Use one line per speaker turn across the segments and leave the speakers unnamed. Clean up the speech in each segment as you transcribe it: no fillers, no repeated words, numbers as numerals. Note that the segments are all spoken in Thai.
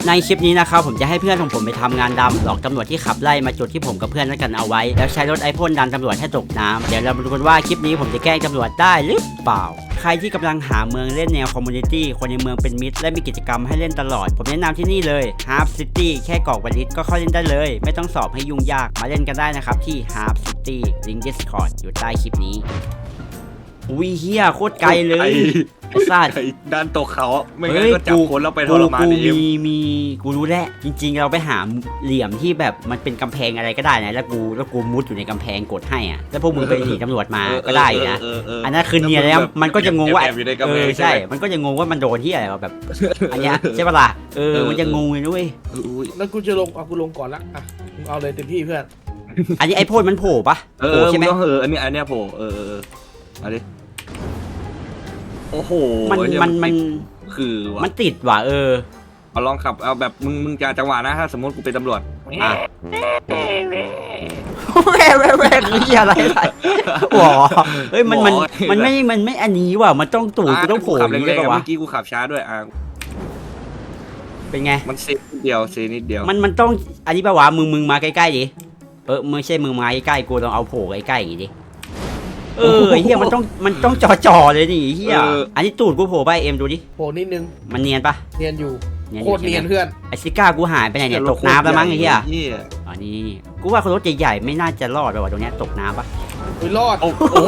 ในคลิปนี้นะครับผมจะให้เพื่อนของผมไปทำงานดำหลอกตำรวจที่ขับไล่มาจุดที่ผมกับเพื่อนนัดกันเอาไว้แล้วใช้รถไอพ่นดันตำรวจให้ตกน้ำเดี๋ยวเรามาดูกันว่าคลิปนี้ผมจะแกล้งตำรวจได้หรือเปล่าใครที่กำลังหาเมืองเล่นแนวคอมมูนิตี้คนในเมืองเป็นมิตรและมีกิจกรรมให้เล่นตลอดผมแนะนำที่นี่เลย Harp City แค่กรอกวันลิสก็เข้าเล่นได้เลยไม่ต้องสอบให้ยุ่งยากมาเล่นกันได้นะครับที่ Harp City ลิงก์ Discord อยู่ใต้คลิปนี้อุ้ยเฮียโคตรไกลเลยไอ้สัตว์
ด้านตกเขาไม่งั้นก็จับคนแล้วไปทรมานเอง
มีกูรู้แล้วจริงๆเราไปหาเหลี่ยมที่แบบมันเป็นกำแพงอะไรก็ได้นะแล้วกูมุดอยู่ในกำแพงกดให้อ่ะแล้วพวกมึงไปหนีตำรวจมาก็ได้อยู่นะอันนั้นคือเนียนแล้วมันก็จะงงว่าใช่มันก็จะงงว่ามันโดนที่อะไรแบบอันเนี้ยใช่ปะล่ะมันจะงงเลยด้วย
แล้วกูจะลงเอากูลงก่อนละอ่ะมึงเอาเลยเต็มที่เพื่อน
อันนี้ไอ้พ่นมันโผล่ปะใช่ไหม
อันนี้โผล่เอาดิโอ้โห
มัน
คือว่ะ
มันติดว่ะ
เอาลองขับเอาแบบมึงจะจังหวะนะถ้าสมมติกูเป็นตำรวจ
อ่ะแวกนี่อะไรหัวเฮ้ยมันไม่อันนี้ว่ะมันต้องตูดกูต้องโผล่
ขับ
อย่าง
แร
นี้
ง
ได้
ๆ
ปะวะ
เมื่อกี้กูขับช้าด้วย
เป็นไง
มันเซนิดเดียว
มันต้องอันนี้ปะวะมึงมาใกล้ๆดิไม่ใช่มึงมาใกล้ๆกูต้องเอาโผล่ใกล้ๆอย่างงี้ดิเฮียมันต้องจ่อเลยนี่เฮียอันนี้ตูดกูโผล่ไปเอ็มดูดิ
โผล่นิดนึง
มันเนียนปะ
เนียนอยู่โคตรเนียนเพื่อน
ไอซิก้ากูหายไปไหนเนี่ยตกน้ำแล้วมั้งไอ้เฮียอ๋อนี่กูว่าคนรถใหญ่ๆไม่น่าจะรอดไปว่ะตรงเนี้ยตกน้ำปะ
อุ้ยรอด
โอ้โห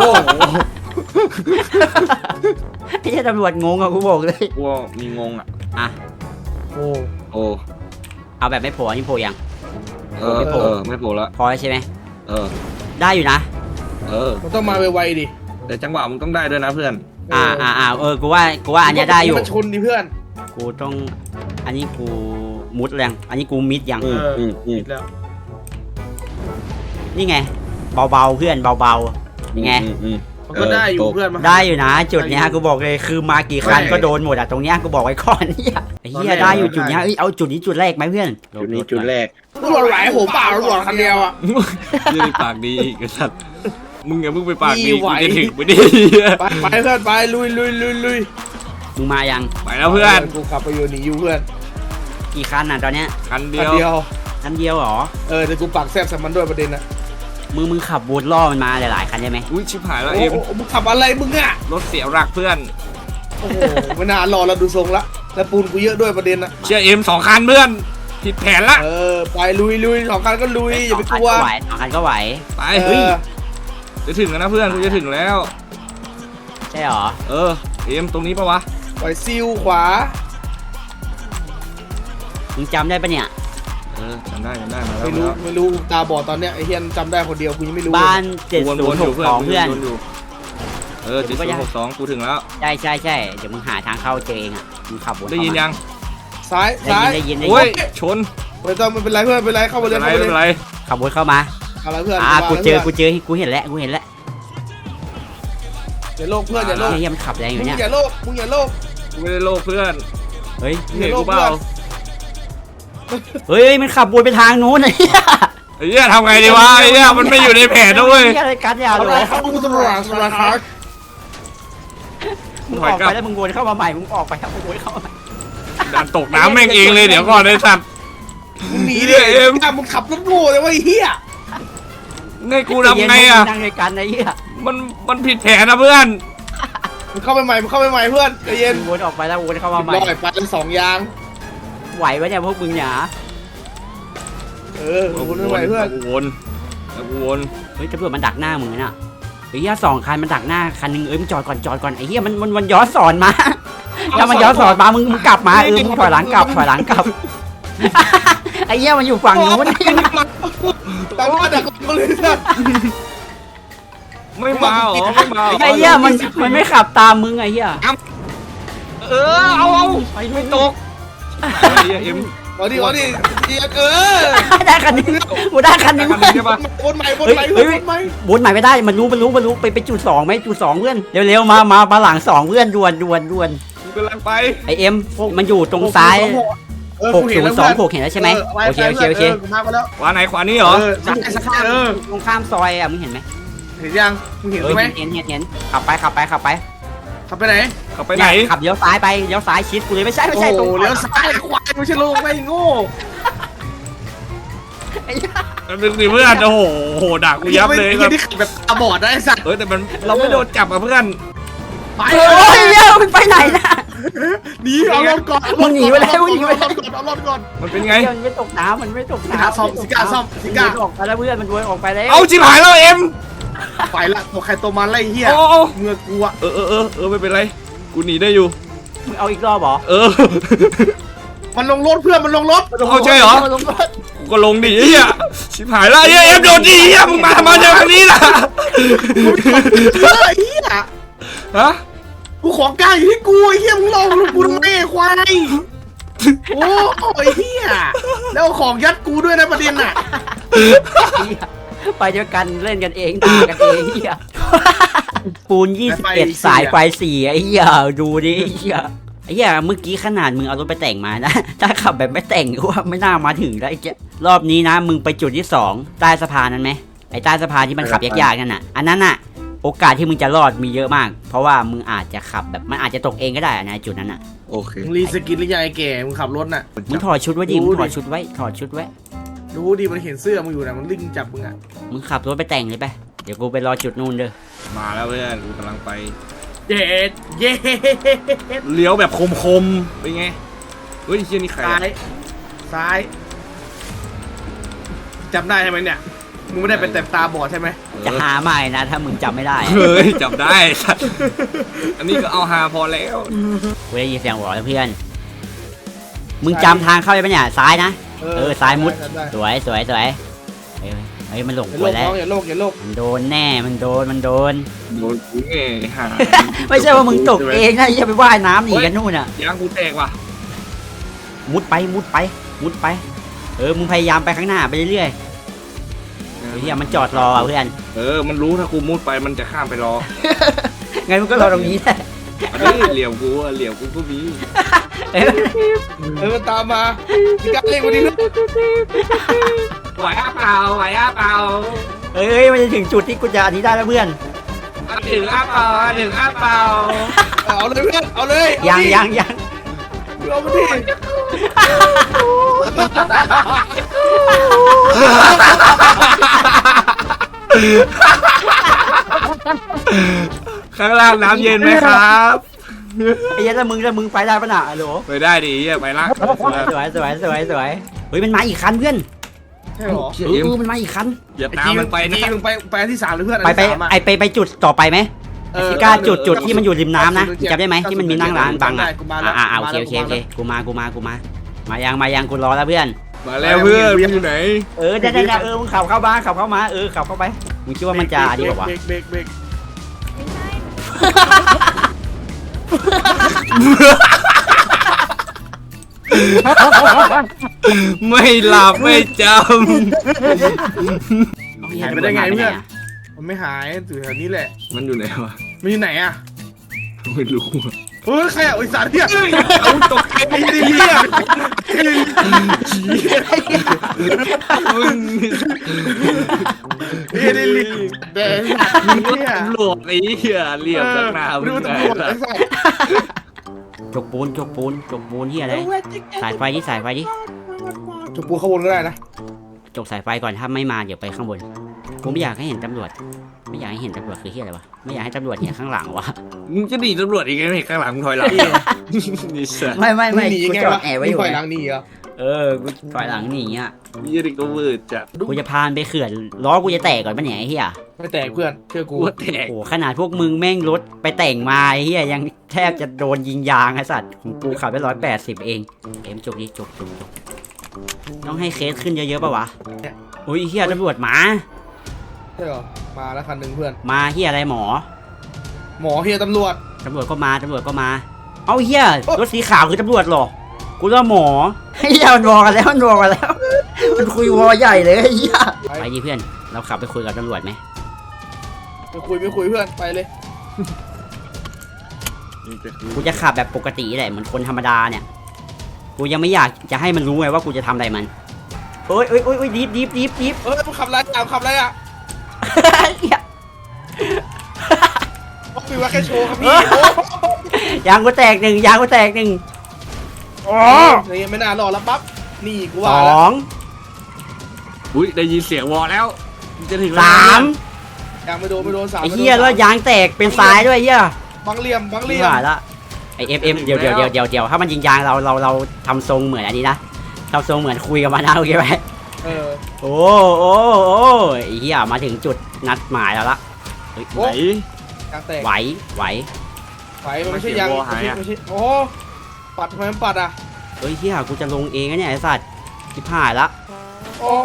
ไอ้เหี้ยตำรวจงงอะกูบอกเลย
กูมีงงอ่ะ
โอ้
เอาแบบไม่โผล่อันนี้โผล่ยัง
ไม่โผล่ละ
พอใช่ไหม ได้อยู่นะ
มันต้องมาไวๆดิ
แต่จังหวะมึงต้องได้ด้วยนะเพื่อน
กูว่าอันเนี้ยได้อยู่
มันชนดิเพื่อน
กูต้องอันนี้กูมุดแรงอันนี้กูมิดยัง
ผิดแล้ว
นี่ไงเบาๆเพื่อนเบาๆยังไง
มันก็ได้อยู่เพื่อนมา
ได้อยู่นะจุดเนี้ยกูบอกเลยคือมากี่คันก็โดนหมดอะตรงเนี้ยกูบอกไว้ก่อนเนี่ยไอ้เหี้ยได้อยู่จุดเนี้ยเอาจุดนี้จุดแรกไหมเพื่อน
จุดแรก
ตำรวจไหลผมเปล่าตำรวจคันเดียวอ่ะ
ยืนปากดีอีกสัตว์มึงอย่าเพิ่งไปปากดีกูจะถึงไปดิ
ไปเพื่อนไปลุย
มึงมายัง
ไปแล้วเพื่อน
กูขับไปอยู่หนีอยู่เพื่อน
กี่คันน่ะตอนเนี้ย
คันเดี
คัน
ยว
เดียว
คันเดียวเหรอ
แต่กูปักแซบใส่มันด้วยประเด็นนะ
มึงขับวนล่อมันมาหลายๆคันได้ไหม
อุ้ยชิบหายแล้ว
โอ้
เอ็ม
มึงขับอะไรมึงอ่ะ
รถเสียหลักเพื่อน
โอ้โหไม่น่ารอเราดูทรงละแล้วปูนกูเยอะด้วยประเด็นนะ
เชื่อเอ็ม2 คันเพื่อนผิดแผนละ
ไปลุยสองคันก็ลุยอย่าไปกลัว
สองคันก็ไหว
ไปเฮ้ยจะถึงแล้วนะเพื่อนกูจะถึงแล้ว
ใช่หรอ
เอ็มตรงนี้ปะวะ
ปล่อยซิลขวา
มึงจำได้ปะเนี่ย
จำได้มาแล้ว
ไม่รู้ตาบอดตอนเนี้ยไอเฮียนจำได้คนเดียวกูยังไม่รู้
บ้าน
วนอยู่
7062เพื่อน
7062กูถึงแล้ว
ใช่เดี๋ยวมึงหาทางเข้าเจอเองอ่ะมึงขับวน
ได้ยินยัง
ซ้าย
ได้ยิน
โอ้ยชน
ไม่ต้องไม่เป็นไรเพื่อนไม่เป็นไรเข้าไปเลย
ไม่เป็นไร
ขับวนเข้ามา
อะไรเพื่อน
กูเจอกูเห็นแล้ว
อย่าโลกเพื่อนอย่าโลก
เฮียมันขับแรงอยู่เนี่ย
มึงอย่าโลก
กูไม่ได้โลภเพื่อน
เฮ้ย
เห็นกูเปล่า
มันขับวนไปทางนู้นไอ้เหี้ย
ไอ้เหี้ยทำไงดีวะไอ้เหี้ยมันไม่อยู่ในแผนนะเว้ย
อะไรกันยาว
อะ
เล
ไร
ย
ครับมึงตำรวจสารพัด
มึงออกไปแล้วมึงวนเข้ามาใหม่มึงออกไปแล้วมึงวนเข้ามาใหม่
ดันตกน้ำแม่งเองเลยเดี๋ยวก่อนไอ้สัตว์
มึงหนีดิมึงขับรถโง่เลยว่าไอ้เหี้ย
ไงกูทำไงอ่ะ
นั่งด้วยกันไอ้เหี้ย
มันผิดแผนนะเพื่อน
มึงเข้าไปใหม่เพื่อนใจเย็น
วนออกไปแล้ววนเข้ามาใหม่
ลอยไปทั้ง2 ยาง
ไหวปะเนี่ยพวกมึงเนี่ย
วนไม่ไหวเพื่อน
กูวน
เฮ้ยตำรวจมันดักหน้ามึงน่ะไอ้เหี้ย2 คันมันดักหน้าคันนึงมึงจอดก่อนไอ้เหี้ยมันย้อนสอนมาถ้ามันย้อนสอนมามึงกลับมามึงถอยหลังกลับไอ้เหี้ยมันอยู่ฝั่งนู้น
ตามมาดักกูเลยนะ
ไม่มาเหรอไม่มา
ไอ้เหี้ยมันไม่ขับตามมึงไอ้เหี้ย
เอา
ไปด้วย
ตกไอ้เหี้ยเอ็ม
เอาดิ
ได้คันนึงกูได้คันนึง
ใช่ปะ
วนใหม่วนใหม่
ไม่ได้มันรู้ไปจุด2ไหมจุด2เพื่อนเร็วๆมาหลัง2เพื่อนด่วน
กูกำลังไป
ไอเอ็มมันอยู่ตรงซ้าย602เห็นแล้วใช่ไหมโอเค
มาแล้ว
ขวาไหนขวานี้เหรอ
ตรงข้ามซอยอ่ะมึงเห็นไหม
เห็นยังมึงเห็นไหม
เห็นขับไป
ขับขับไปไหน
ขับไปไหน
ขับเลี้ยวซ้ายไปเลี้ยวซ้ายชิดกูเลยไม่ใช่ตรง
โอ้เลี้ยวซ้ายควายไม่ใช่ลูกไม่โง่
มันเป็นสิเพื่อนโอ้โหด่ากูยับเลย
ไอ้ที่ขับแบบตาบอดนะไอ้สัตว์
แต่มันเราไม่โดนจับอ่ะเพื่อน
ไป
โอ้ยเหี้ยมันไปไหนนะ
หนีเอารถก่อน
มึงหนีไปแล้วมึงหนีไปแล้ว
เอารถก่อน
มันเป็นไง
มันไม่ตกน้ำมันไม่ตก
สิกา
น้ำ
ซ่อมสิกาซ่อมสิกา
มันออกไปแล้วเพื่อนมันวนออกไปแล้ว
เอาชิบหายแล้วเอ็ม
ไปละตัวใครตัวมันไล่เหี้ย
โอ้
เมื่อกูอะ
ไม่เป็นไรกูหนีได้อยู่
มึงเอาอีกรอบเหรอ
มันลงรถเพื่อนมันลงรถ
เอาใช่เหรอ
มันลงรถ
กูก็ลงดิเฮียชิบหายแล้วเฮียเอ็มโดนดิเฮียมึงมาทำไมอย่างนี้ล่ะ
เฮ้ยเหี้ย
ฮะ
กูของกลางอยู่ที่กูไอ้เหี้ยมึงลองกูทำไมไอ้ควายโอ้ยเหี้ยแล้วเอาของยัดกูด้วยนะประเด็นน่ะ
ไปเดียวกันเล่นกันเองด่ากันเองเหี้ยปูน21สายไฟ4ไอ้เหี้ยดูดิไอ้เหี้ยไอ้เหี้ยเมื่อกี้ขนาดมึงเอารถไปแต่งมานะ ถ้าขับแบบไม่แต่งก็ว่าไม่น่ามาถึงแล้วไอ้เหี้ยรอบนี้นะมึงไปจุดที่2ใต้สะพานนั้นไหมไอ้ใต้สะพานที่มันขับยากๆนั่นน่ะอันนั้นน่ะโอกาสที่มึงจะรอดมีเยอะมาก เพราะว่ามึงอาจจะขับแบบมันอาจจะตกเองก็ได้นะจุดนั้นน่ะ
โอเค
มึงรีสกินหรือยังไอ้แก่มึงขับรถน่ะ
มึงถอดชุดไว้ดิมึงถอดชุดไว้ถอดชุดไว้
รู้ดิมันเห็นเสื้อมึงอยู่นะมันลิงจับมึงอ่ะ
มึงขับรถไปแต่งเลยไปเดี๋ยวกูไปรอจุดนู่นเด้อ
มาแล้วเพื่อนกูกำลังไป
เย็ดเย็ด
เลี้ยวแบบคมๆเป็นไงเฮ้ยเฮียนี่ใคร
ซ้ายซ้ายจำได้ใช่ไหมเนี่ยมึงไม่ได้เป็นแต่ตาบอดใช่ไหม
จะหาใหม่นะถ้ามึงจำไม่ได้
เฮ้ยจับได้สัตว์อันนี้ก็เอาฮาพอแล้ว
กูได้ยินเสียงหัวแล้วเพื่อน มึงจำทางเข้าไปปะเนี่ยซ้ายนะ ซ้ายมุด สวยสวยสวยเฮ้ยมันหลง
อย่า
กู
โลก
แล้
น้
ว
องอย่าโลกอย่าโลก
มันโดนแน่มันโดน
โดนกูไงหา
ไม่ใช่ว่ามึงตกเองนะอย่าไปว่ายน้ำหนีกันนู่นอ่ะ
ยางกูแตกว่ะ
มุดไปมุดไปมุดไปมึงพยายามไปข้างหน้าไปเรื่อยๆเฮียมันจอดรออ่ะเพื่อน
มันรู้ถ้ากูมุดไปมันจะข้ามไปรอ
งั้นมึงก็รอตรงนี้แหละ
อันนี้เหลี่ยมกูอะเหลี่ยมกูก็มี
มันตามมามีการเล่นวันนี้นะ
ไหวอ้าเปล่าไหวอ้าเปล่า
เฮ้ยมันจะถึงจุดที่กูจะอันนี้ได้แล้วเพื่อน
ถึงอ้าเปล่าถึงอ้าเปล่า
เอาเลยเพื่อนเอาเลย
ยัง
เอามาดิ
ข้างล่างน้ำเย็นไหมครับ
ไอ้ยันแล้วมึงไปได้ปะน่ะฮัลโหล
ไปได้ดิไปละ
สวยเฮ้ยมันมาอีกคันเพื่อน
ใช่หรอ
มันมาอีกคัน
อย่าตามมันไปนะ
มึงไปที่3เลยเพื่อน
ไปจุดต่อไปไหมซิก้าจุดที่มันอยู่ริมน้ำนะจำได้ไหมที่มันมีนั่งร้านบังอ่ะโอเคกูมามายังกูรอแล้วเพื่อน
มาแล้วเพื่อนอยู่ไหน
ได้มึงขับเข้ามาขับเข้าไปมึงคิดว่ามันจะดีกว่าวะ
เบรก
ไม่หลับไม่จ
หายไปได้ไงเพื่อนมันไม่หายอยู่แถวนี้แหละ
ำมันอยู่ไหนวะ
มันอยู่ไหนอ่ะ
ไม่รู้
เฮ้ยใครอ่ะไอ้สารเนี่ย
เอาตกใจ
ไอ้เนี่ย
มึง
ไอ้นี่ลิงแดงเนี่ย
ตำรวจไอ้เหี้ยเหลี่ยมสักหน้ามึ
ดู
งไง
ตำรวจไอ้สัส
จกปูนที่อะไรสายไฟดิ
จุดปูข้างบนก็ได้นะ
จกสายไฟก่อนถ้าไม่มาเดี๋ยวไปข้างบนกูไม่อยากให้เห็นตำรวจไม่อยากให้เห็นตำรวจคือที่อะไรวะไม่อยากให้ตำรวจเห็นข้างหลังวะ
มึงจะหนีตำรวจอีกไงข้างหลังมึงถอยหลังนี่สัส
ไม่
หนี
กู
ไง
จอ
วะ
ดแอบไว้อยู่
ปล่อยหลังหนีเหรอ
กูถอยหลังหนีอ่ะ
ยี่ดิก็วืดจัด
กูจะพานไปเขื่อนล้อกูจะแตกก่อนปะเนี่ยไอ้เหี้ย
ไม่แตกเพื่อนเชื่อกู
กูแตก
โอ้ขนาดพวกมึงแม่งรถไปแต่งมาไอ้เหี้ยยังแทบจะโดนยิงยางไอ้สัตว์ของกูขับไป180เองจกดิจกต้องให้เคสขึ้นเยอะๆป่ะวะอุ้ยเหี้ยตำรวจมา
ใช่เหรอมาแล้วคันหนึ่งเพื่อน
มาเหี้ยอะไรหมอ
หมอเฮียตำรวจ
ตำรวจก็มาเอาเหี้ยรถสีขาวคือตำรวจเหรอกูว่าหมอเหี้ยมันวอกันแล้วมันคุยวอใหญ่เลยไอ้เหี้ยไปดิเพื่อนเราขับไปคุยกับตำรวจไหม
ไม่คุยเพื่อนไปเลย
กูจะขับแบบปกติแหละเหมือนคนธรรมดาเนี่ยกูยังไม่อยากจะให้มันรู้ไงว่ากูจะทำอะไรมันโอ้ยดิฟ
มึงขับอะไรอ่ะขับอะไรอ่ะ
เหี้ย
ปิซื้อมาแค่โชว์ครับพี่โอ้
ยางกูแตกหนึ่งยางกูแตกหนึ่ง
นี่ไม่น่ารอแล้วปั๊บนี่กู
ส
ว่า
อ
แล้ว
ง
อุ้ยได้ยินเสียงวอแล้วจะถึง
สาม
ยังไม่โดนสาม
ไอ้เหี้ยแล้วยางแตกเป็นซ้ายด้วยเหี้ย
บังเหลี่ยม
ไม่ไหวละไอเอ็มเดี๋ยวถ้ามันยิงยางเราทำทรงเหมือนอันนี้นะทำทรงเหมือนคุยกับมันนะโอเคไหม
เออ
โอ้ไอ้เหี้ยมาถึงจุดนัดหมายแล้วละเฮ้ย
โอ้
ไหน
ยางแตก
ไหว
ไฟมันไม่ใช่ยางไม่ใช่โอ้ปัดทำไมมันปัดอ่ะ
เฮ้ยเหี้ยกูจะลงเองนะเนี่ยไอ้สัตว์ชิบหายละ
โอ้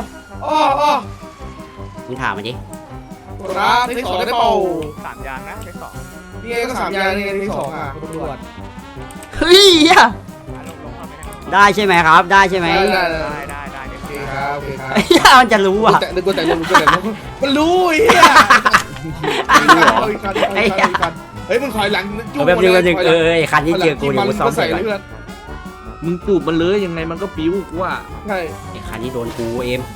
มึงถามมันดิ
ครับที่สองได้เปล่า
3 ยางนะใช้2
นี่ไงก็3 ยางนี่ไงที่2อ่ะคุณตำรวจ
เฮ้ยเหี้ย
ลงมาไม่ได้
ได้ใช่ไหมครับได้ใช่ไหม
ได้
ได้
โอเคครับโอเคครับ
ไอ้เหี้ยมันจะรู้อ่ะ
แต่กูแต่ลงมันรู้ไอ้เหี้ยเฮ้ยมึงถอยหลัง
แบบนึงไอ้คันที่เจอกูเดี๋ยวกูซ้อม
ใส่
เสร็จ
เล
ก่อย น
เพื่อน
มึงจูบมันเลยยังไงมันก็ปิ้วกูว่า
ใช่
ไอ้คันที่โดนกูเอ็ม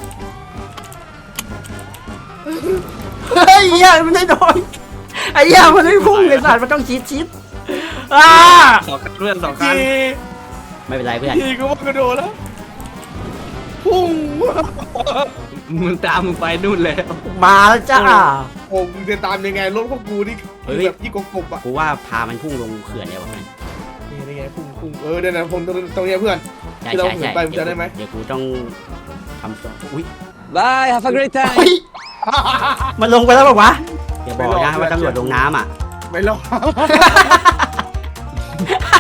เฮ้ยเหี้ยมันไม่โดนไอ้เหี้ยมันไม่พุ่งไอ้สัตว์มันต้องชิดอ่า
สองคันเพื่อนสองคัน
ไม่เป็นไรเพื่อน
ทีกูว่ากระโดดแล้วพุ่ง
มึงตามมึงไปนู่นแล้ว
มาแล้วจ้า
ผมจะตามยังไงรถพวกกูนี่แบบยี่กบอ่ะ
กูว่าพามันพุ่งลงเขื่อนเลยวะเพื่อน
นี่ไงพุ่งเดี๋ยวนะผมตรงนี้เพื่อน
ใช่
ที่เรา
ใช่
เหิ
ใช่
นไปมันจะได้ไหม
เดี๋ยวกูต้องทำตัวอุ้ย
Bye, have a great time.
เฮ้ยมันลงไปแล้วบอกวะอย่าบอกนะว่าตำรวจลงน้ำอ่ะ
ไม่รอด